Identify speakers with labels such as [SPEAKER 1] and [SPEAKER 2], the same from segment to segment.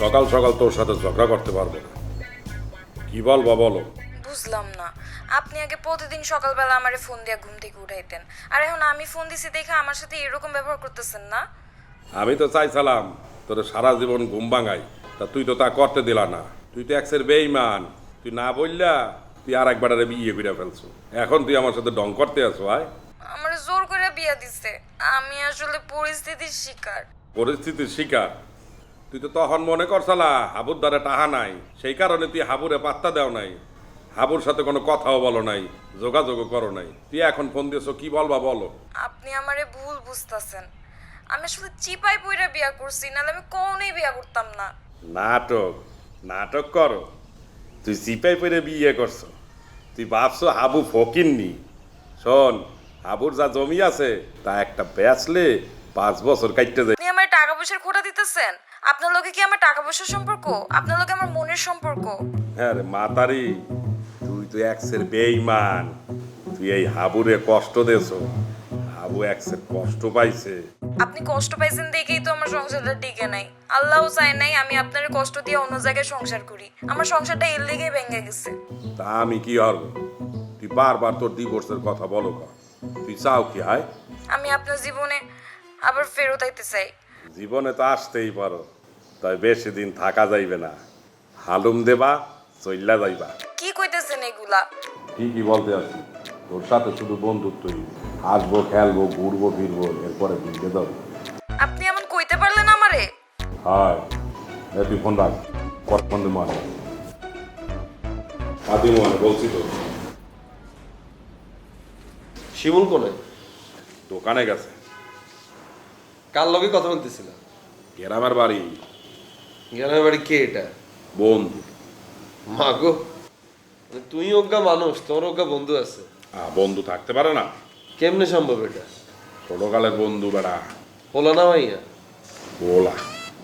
[SPEAKER 1] সকাল সকাল তোর সাথে ঝগড়া করতে পারবো না। কি বলবা বলো।
[SPEAKER 2] বুঝলাম না, আপনি আগে প্রতিদিন সকালবেলা আমারে ফোন দিয়ে ঘুম থেকে উঠাইতেন, আর এখন আমি ফোন দিছি দেখে আমার সাথে এরকম ব্যবহার করতেছেন না।
[SPEAKER 1] আমি তো চাইছিলাম তোর সারা জীবন ঘুম ভাঙাই, তা তুই তো তা করতে দিলা না। তুই তো এক্সের বেঈমান। তুই না বললা তুই আর একবার বিয়ে করে ফেলছো। এখন তুই আমার সাথে ডং করতে আসো। আয়,
[SPEAKER 2] আমার জোর করে বিয়া দিছে, আমি আসলে পরিস্থিতির শিকার।
[SPEAKER 1] পরিস্থিতির শিকার? তুই তো তখন মনে করছলা হাবুর দ্বারা টাহা নাই, সেই কারণে তুই হাবুরে পাত্তা দেও নাই, হাবুর সাথে কোনো কথাও বলো নাই, যোগাযোগও করো নাই। তুই এখন ফোন দিয়েছো, কি বলবা বলো।
[SPEAKER 2] আপনি আমারে ভুল বুঝতাছেন, আমি আসলে চিপাই পইরা বিয়া করছি, নাহলে আমি কোনোই বিয়া করতাম না।
[SPEAKER 1] নাটক নাটক করো। তুই চিপাই পরে বিয়ে করছো। তুই ভাবছো হাবু ফকিননি। শোন, হাবুর যা জমি আছে তা একটা বেচলে 5 বছর কাটতে যায়।
[SPEAKER 2] আপনি আমার টাকা পয়সার খোটা দিতেছেন? আপনার লোকে কি আমার টাকা পয়সার সম্পর্ক? আপনার লোকে আমার মনের সম্পর্ক।
[SPEAKER 1] হ্যাঁ রে মাতারি, তুই তো এক্সের বেঈমান। তুই এই হাবুরে কষ্ট দেছো। হাবু এক্সের কষ্ট পাইছে।
[SPEAKER 2] আপনি কষ্ট পাইছেন দেখেই তো আমার সংসারটা টিকে নাই। আল্লাহও চায় নাই আমি আপনার কষ্ট দিয়ে অন্য জায়গায় সংসার করি। আমার সংসারটা এর লেগেই ভেঙে গেছে।
[SPEAKER 1] তা আমি কি হবো? তুই বারবার তোর ডিভোর্সের কথা বলো কা? তুই চাও কি? হয়
[SPEAKER 2] আমি আপনার জীবনে আবার ফেরত আইতে চাই।
[SPEAKER 1] জীবনে তো আসতেই পারো, তাই বেশি দিন থাকা যাইবে না। হালুম দেবা, চইল্লা যাইবা।
[SPEAKER 2] কি কইতেছেন এগুলা?
[SPEAKER 1] ঠিকই বলতে আছি। তোর সাথে শুধু বন্ধুত্বই। আসবো, খেলবো, ঘুরবো, ফিরবো, এরপরে বিয়ে দেবো।
[SPEAKER 2] আপনি এমন কইতে পারলেন আমারে?
[SPEAKER 1] হায়, তুই ফোন রাখ। ফোন দে মানে আদি মানে বলছি তো।
[SPEAKER 3] শিমুল কোনে?
[SPEAKER 1] দোকানে গেছে।
[SPEAKER 3] কার লগে কথা বলতেছিল?
[SPEAKER 1] গ্রামের বাড়ি।
[SPEAKER 3] গ্রামের বাড়ি কে এটা?
[SPEAKER 1] বন্ধু।
[SPEAKER 3] মা গো, তুই অজ্ঞা মানুষ, তোর অজ্ঞা বন্ধু আছে।
[SPEAKER 1] বন্ধু থাকতে পারে না?
[SPEAKER 3] কেমনে সম্ভব এটা?
[SPEAKER 1] ছোটকালের বন্ধু বেড়া।
[SPEAKER 3] হলো না ভাইয়া?
[SPEAKER 1] বলা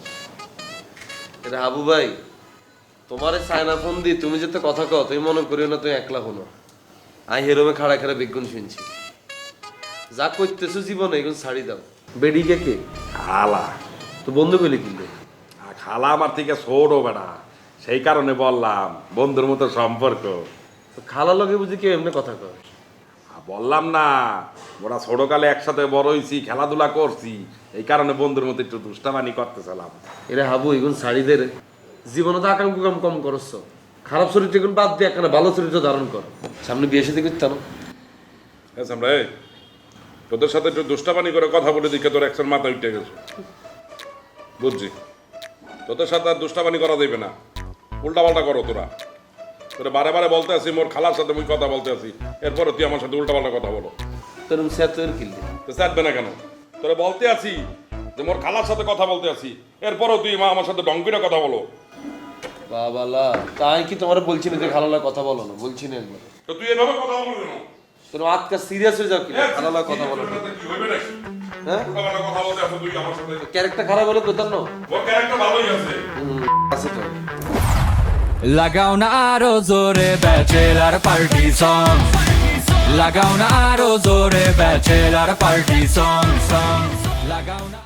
[SPEAKER 3] এটা হাবু ভাই, তোমারে সায়না ফোন দি তুমি যেতে কথা কও, তুমি মনে করিও না তুমি একলা হনো। আই হেরোমে খাড়া খাড়া বিজ্ঞান শুনছি। যা করতেছো জীবনে এগুলো ছাড়ি দাও। বেডিকে কে?
[SPEAKER 1] খালা।
[SPEAKER 3] তো বন্ধু কইলে কিনলে?
[SPEAKER 1] খালা আমার থেকে ছোট বেড়া, সেই কারণে বললাম বন্ধুর মতো সম্পর্ক।
[SPEAKER 3] তো খালা লগে বুঝি কেউ এমনি কথা কয়?
[SPEAKER 1] বললাম না, ওরা ছোটকালে একসাথে বড় হয়েছি, খেলাধুলা করছি, এই কারণে বন্ধুর মতো একটু দুষ্টামানি করতেছিলাম।
[SPEAKER 3] এরা হাবু এগুন শাড়ি দে রে, জীবনে তো আকাম কুকাম কম করছ। খারাপ চরিত্র এখন বাদ দিয়ে একখানা ভালো চরিত্র ধারণ কর। সামনে বিয়ে সাথে করতাম।
[SPEAKER 1] আমরা তোদের সাথে একটু দুষ্টামানি করে কথা বলে দিকে তোর একশন মাথা উঠে গেছে। বুঝছি, তোদের সাথে আর দুষ্টামানি করা যাবে না। উল্টা পাল্টা করো তোরা। তোরা বারে বারে বলতে আছি মোর খালার সাথে মুই কথা বলতে আছি, এরপরে তুই আমার সাথে উল্টা পাল্টা কথা বলো।
[SPEAKER 3] তোর স্যার তোর কিনলি
[SPEAKER 1] তো চাটবে না কেন? তোরা বলতে আছি যে মোর খালার সাথে কথা বলতে আছি, এরপরও তুই মা আমার সাথে ডঙ্কিটা কথা বলো।
[SPEAKER 3] বাবালা, তাই কি তোমার বলছি না যে খালালা কথা বলো না? বলছি না একবার।
[SPEAKER 1] তো তুই এভাবে কথা বলবি কেন?
[SPEAKER 3] তোর আজকে সিরিয়াস হয়ে যাও কি খালালা কথা বলো না?
[SPEAKER 1] কি হইবে নাকি?
[SPEAKER 3] হ্যাঁ,
[SPEAKER 1] উল্টাপাল্টা কথা বলতে আছো তুই আমার সাথে।
[SPEAKER 3] ক্যারেক্টার খারাপ হলে কোথাও না
[SPEAKER 1] ওর ক্যারেক্টার ভালোই আছে।
[SPEAKER 3] আছে তো।
[SPEAKER 4] লাগাও না আরো জোরে ব্যাচেলার পার্টি সং, লাগাও না আরো জোরে ব্যাচেলার পার্টি সং, লাগাও না।